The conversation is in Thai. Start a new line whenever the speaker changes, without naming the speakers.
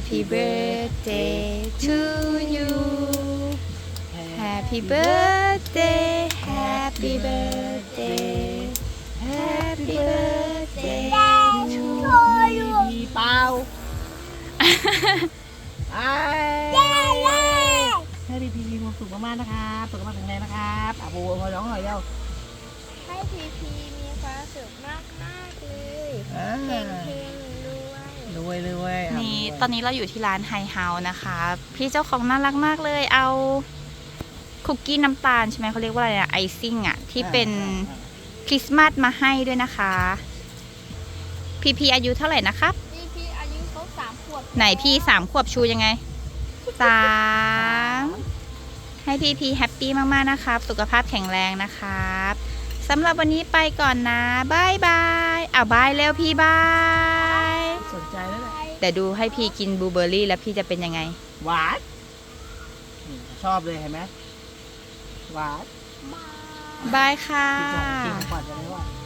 Happy birthday to you Happy birthday Happy birthday Happy birthday to you
มีเปล่าให้พี่มีความสุขมากๆนะครับสุขภาพแข็งแรงนะครับอาบูมาร้องหน่อยเร็ว
ให้พีพีมีความสุขมากๆเลยเฮงๆรวย
รวย
นี่ตอนนี้เราอยู่ที่ร้านไฮเฮาส์นะคะ พี่เจ้าของน่ารักมากเลย เอาคุกกี้น้ำตาลใช่ไหมเขาเรียกว่าอะไรอะไอซิ่งอะที่เป็นคริสต์มาสมาให้ด้วยนะคะ พี่อายุเท่าไหร่นะครับ
พีพีอายุครบ3 ขวบ
ไหนพี่3 ขวบชูยังไง3ให้พี่แฮปปี้มากๆนะครับ สุขภาพแข็งแรงนะครับสำหรับวันนี้ไปก่อนนะบายบายเอาบายเร็วพี่บาย
สนใจแล้วแหละ
แต่ดูให้พี่กินบลูเบอร์รี่แล้วพี่จะเป็นยังไง
หวานชอบเลยเห็นไหมหวาน
บายค่ะ
กินของก่อนจะได้ว่า